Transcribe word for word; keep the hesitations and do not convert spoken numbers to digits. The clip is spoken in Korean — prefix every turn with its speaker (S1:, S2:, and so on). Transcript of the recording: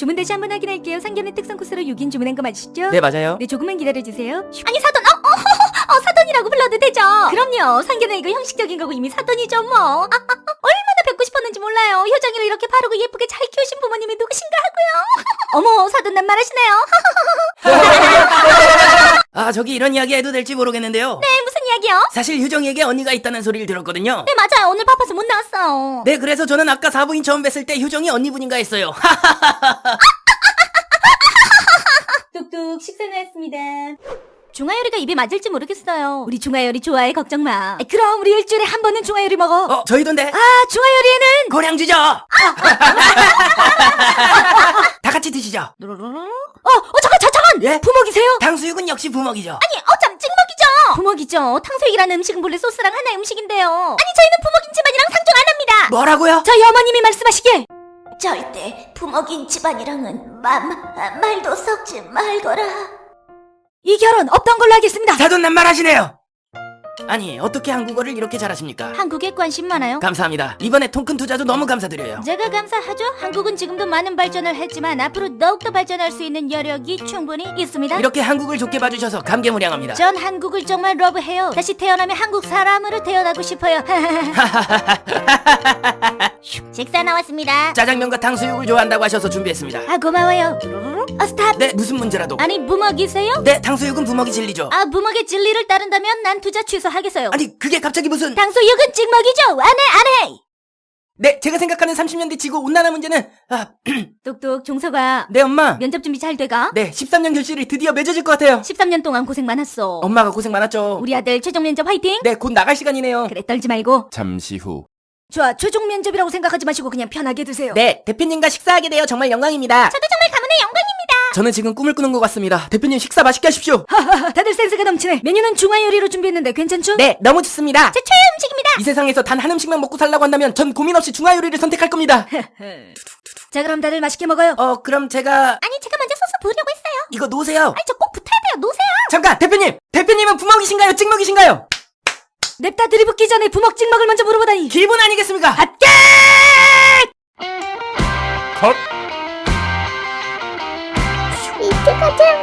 S1: 주문 다시 한번 확인할게요. 상견례 특선 코스로 육 인 주문한 거 맞으시죠?
S2: 네, 맞아요.
S1: 네, 조금만 기다려주세요. 아니, 사돈, 어, 어, 어, 어, 사돈이라고 불러도 되죠? 그럼요. 상견례 이거 형식적인 거고 이미 사돈이죠, 뭐. 아, 아, 아, 얼마나 뵙고 싶었는지 몰라요. 효정이를 이렇게 바르고 예쁘게 잘 키우신 부모님이 누구신가 하고요. 어머, 사돈 난 말하시네요.
S2: 아, 저기 이런 이야기 해도 될지 모르겠는데요.
S1: 네, 무슨 이야기요?
S2: 사실 효정이에게 언니가 있다는 소리를 들었거든요.
S1: 네, 맞아요. 오늘 바빠서 못 나왔어요.
S2: 네, 그래서 저는 아까 사부인 처음 뵀을 때 효정이 언니분인가 했어요.
S1: 뚝뚝 식사는 했습니다. 중화요리가 입에 맞을지 모르겠어요. 우리 중화요리 좋아해, 걱정 마. 아, 그럼 우리 일주일에 한 번은 중화요리 먹어.
S2: 어, 저희던데.
S1: 아, 중화요리에는
S2: 고량주죠. 다 같이 드시죠.
S1: 어, 어, 잠깐, 자, 잠깐!
S2: 예?
S1: 부먹이세요?
S2: 탕수육은 역시 부먹이죠.
S1: 아니, 어쩜 찍먹이죠? 부먹이죠. 탕수육이라는 음식은 본래 소스랑 하나의 음식인데요. 아니, 저희는 부먹인 집안이랑 상종 안 합니다.
S2: 뭐라고요?
S1: 저희 어머님이 말씀하시길.
S3: 절대 부먹인 집안이랑은 마, 마, 말도 섞지 말거라.
S1: 이 결혼 없던 걸로 하겠습니다.
S2: 사돈 낱말하시네요. 아니, 어떻게 한국어를 이렇게 잘하십니까?
S1: 한국에 관심 많아요?
S2: 감사합니다. 이번에 통큰 투자도 너무 감사드려요.
S1: 제가 감사하죠. 한국은 지금도 많은 발전을 했지만 앞으로 더욱더 발전할 수 있는 여력이 충분히 있습니다.
S2: 이렇게 한국을 좋게 봐주셔서 감개무량합니다.
S1: 전 한국을 정말 러브해요. 다시 태어나면 한국 사람으로 태어나고 싶어요. 식사 나왔습니다.
S2: 짜장면과 탕수육을 좋아한다고 하셔서 준비했습니다.
S1: 아, 고마워요. 어, 스탑.
S2: 네, 무슨 문제라도.
S1: 아니, 부먹이세요?
S2: 네, 탕수육은 부먹이 진리죠.
S1: 아, 부먹의 진리를 따른다면 난 투자 취소하겠어요.
S2: 아니, 그게 갑자기 무슨...
S1: 탕수육은 찍먹이죠. 안 해, 안 해.
S2: 네, 제가 생각하는 삼십 년대 지구 온난화 문제는... 아,
S1: 똑똑, 종서가.
S2: 네, 엄마.
S1: 면접 준비 잘 돼가?
S2: 네, 십삼 년 결실이 드디어 맺어질 것 같아요.
S1: 십삼 년 동안 고생 많았어.
S2: 엄마가 고생 많았죠.
S1: 우리 아들 최종 면접 화이팅.
S2: 네, 곧 나갈 시간이네요.
S1: 그래, 떨지 말고.
S4: 잠시 후.
S1: 좋아, 최종 면접이라고 생각하지 마시고 그냥 편하게 드세요.
S2: 네, 대표님과 식사하게 되어 정말 영광입니다.
S1: 저도 정말 가문의 영광입니다.
S2: 저는 지금 꿈을 꾸는 것 같습니다. 대표님 식사 맛있게 하십시오.
S1: 하하하, 다들 센스가 넘치네. 메뉴는 중화 요리로 준비했는데 괜찮죠?
S2: 네, 너무 좋습니다.
S1: 제 최애 음식입니다.
S2: 이 세상에서 단 한 음식만 먹고 살라고 한다면 전 고민 없이 중화 요리를 선택할 겁니다.
S1: 자, 그럼 다들 맛있게 먹어요.
S2: 어, 그럼 제가
S1: 아니, 제가 먼저 소스 부으려고 했어요.
S2: 이거 놓으세요.
S1: 아니, 저 꼭 붙어야 돼요. 놓으세요.
S2: 잠깐, 대표님! 대표님은 부먹이신가요? 찍먹이신가요?
S1: 냅다 들이붓기 전에 부먹 찍먹을 먼저 물어보다니.
S2: 기본 아니겠습니까?
S1: 핫게!
S4: 컷.
S3: 이때 가자.